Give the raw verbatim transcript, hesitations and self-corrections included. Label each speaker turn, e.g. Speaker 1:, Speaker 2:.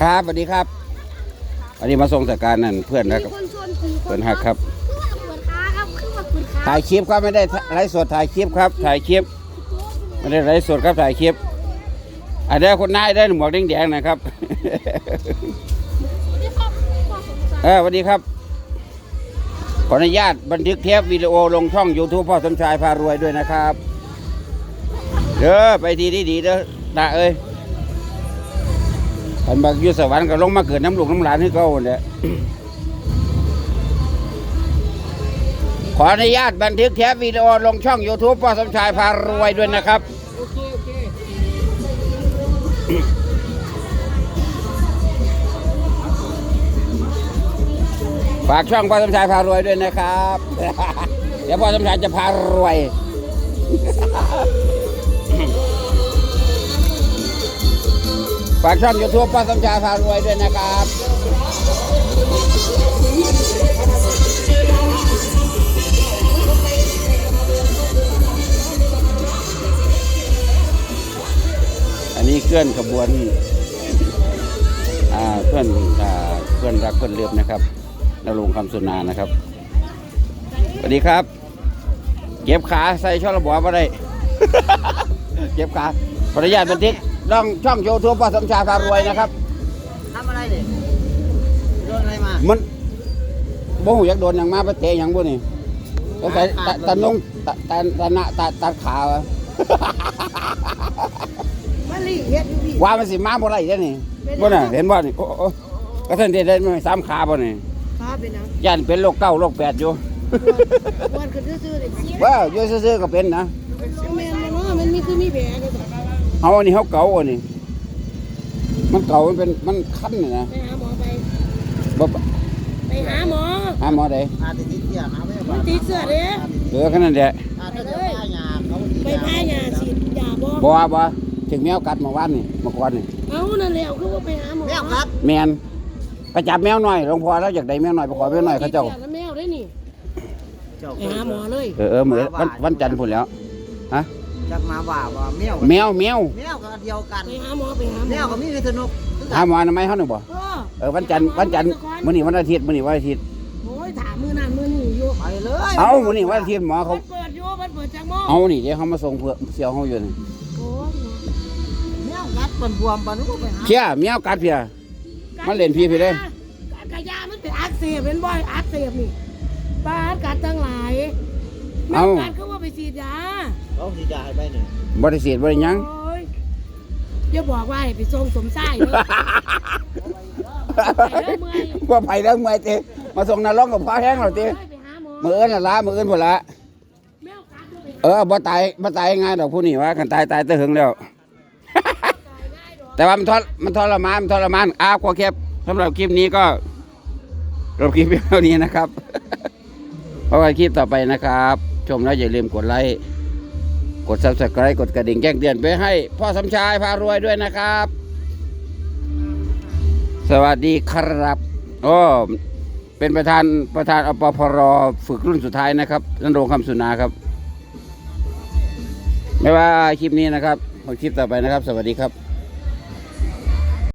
Speaker 1: ครับสวัสดีครับอันนี้มาส่งจากการนั่นเพื่อนนะครับเพื่อนหักครับถ่ายคลิปครับไม่ได้ไลฟ์สดถ่ายคลิปครับถ่ายคลิปไม่ได้ไลฟ์สดครับถ่ายคลิปอันนี้คนนายได้หมวกแดงๆนะครับเออสวัสดีครับขออนุญาตบันทึกเทปวิดีโอลงช่อง ยูทูบ พ่อสมชายพารวยด้วยนะครับเด้อไปทีดีๆเด้อตาเอ้ยอันบักอยู่สวรรค์ก็ลงมาเกิดน้ำลูกน้ำหลานให้เขาเนี่ยขออนุญาตบันทึกเทปวิดีโอลงช่อง ยูทูบ พ่อสมชายพารวยด้วยนะครับโอเคโอเคฝากช่องพ่อสมชายพารวยด้วยนะครับเดี๋ยวพ่อสมชายจะพารวยฝากช่อง ยูทูบ พ่อสมชายพารวยด้วยนะครับอันนี้เคลื่อนขบวนเพื่อนเพื่อนรักเพื่อนเลือบนะครับนรงค์คำสุนานะครับสวัสดีครับเก็บขาใส่ช่องระบบมาได้เก็บขาขออนุญาตบันทึกลองช่อง ยูทูบ พ่อสมชายพารวยนะครับ
Speaker 2: ทำอะไรเนี่ยโดนอะไรมา
Speaker 1: มันบ่หูอยากโดนอย่างมาไปเตะอย่างบ่นี่ต้องใส่ตะนงตะตะตะหน้าตะตัดขาวะว่ามันสิมาบ่ไรได้นี่บ่น่ะเห็นบ่นี่โอ้ก็ท่านได้ได้สามขาบ่นี่ขาเป็นหยังย่านเป็นโรคเก้าโรคแปดอยู่วันขึ้นซื่อๆนี่ว้าวอยู่ซื่อๆก็เป็นนะแม่นเนาะมันมีคือมีแผลก็เฮาอันนี้เฮาเก่าอันนี้มันเก่ามันเป็นมันคันนี่นะไปหาหมอไปบ่ไปหาหมอหาหมอใดอาติดเสื้อหาไม่ว่าติดเสื้อเด้เออแค่นั้นแหละไปเลยไปพายาฉีดยาบ่บ่บ่ถึงแมวกัดเมื่อวานนี่เมื่อก่อนนี่เอ้านั่นแหละคือว่าไปหาหมอแมวกัดแม่นไปจับแมวหน่อยหลวงพ่อแล้วอยากได้แมวหน่อยไปขอแมวหน่อยเขาเจ้าแมวได้นี่ไปหาหมอเลยเออเออมื้อวันวันจันทร์พุ่นแล้วฮะจักมาว่าว่าแมวแมวแมวแมวก็เดียวกันไปหาหมอไปหาแมวก็มีพิษณุหาหมอทำไมเฮานึกบ่เออวันจันทร์วันจันทร์มื้อนี้วันอาทิตย์มื้อนี้วันอาทิตย์โอ้ยถามมื้อนั้นมื้อนี้อยู่ไปเลยเอ้ามื้อนี้วันอาทิตย์หมอเขาเปิดอยู่มันเปิดจักโมงเอานี่เดี๋ยวเขามาส่งเพื่อเสี่ยวเฮาอยู่นี่โอ้แมวกัดปนบวมปนก็ไปหาเชี่ยแมวกัดเพียมันเล่นพี่พี่เด้กระยามันเป็นอักเสบเป็นบ่อยอักเสบนี่ปาดกัดทั้งหลายแมวกัดเขาว่าไปฉีดยาเขาฉีดยาให้ไปหนึ่งบ่ได้ฉีดบ่ได้ยังอย่าบอกว่าให้ไปส่งสมไส้เลยว่าไปแล้วเมื่อยเต้มาส่งนาร้องกับพ่อแห้งหรอเต้มือเอิ้นละละมือเอิ้นพอละเออบ่ตายบ่ตายง่ายดอกผู้นี้ว่ากันตายตายตะหึงแล้วแต่ว่ามันทรมันทรมานมันทรมานอ้าวกว่าแคบสำหรับคลิปนี้ก็จบคลิปเท่านี้นะครับเพราะว่าคลิปต่อไปนะครับชมแล้วอย่าลืมกดไลค์กด ซับสไครบ์ กดกระดิ่งแจ้งเตือนไปให้พ่อสมชายพารวยด้วยนะครับสวัสดีครับโอ้เป็นประธานประธานอปพรฝึกรุ่นสุดท้ายนะครับนรงค์คำสุนาครับไม่ว่าคลิปนี้นะครับคลิปต่อไปนะครับสวัสดีครับ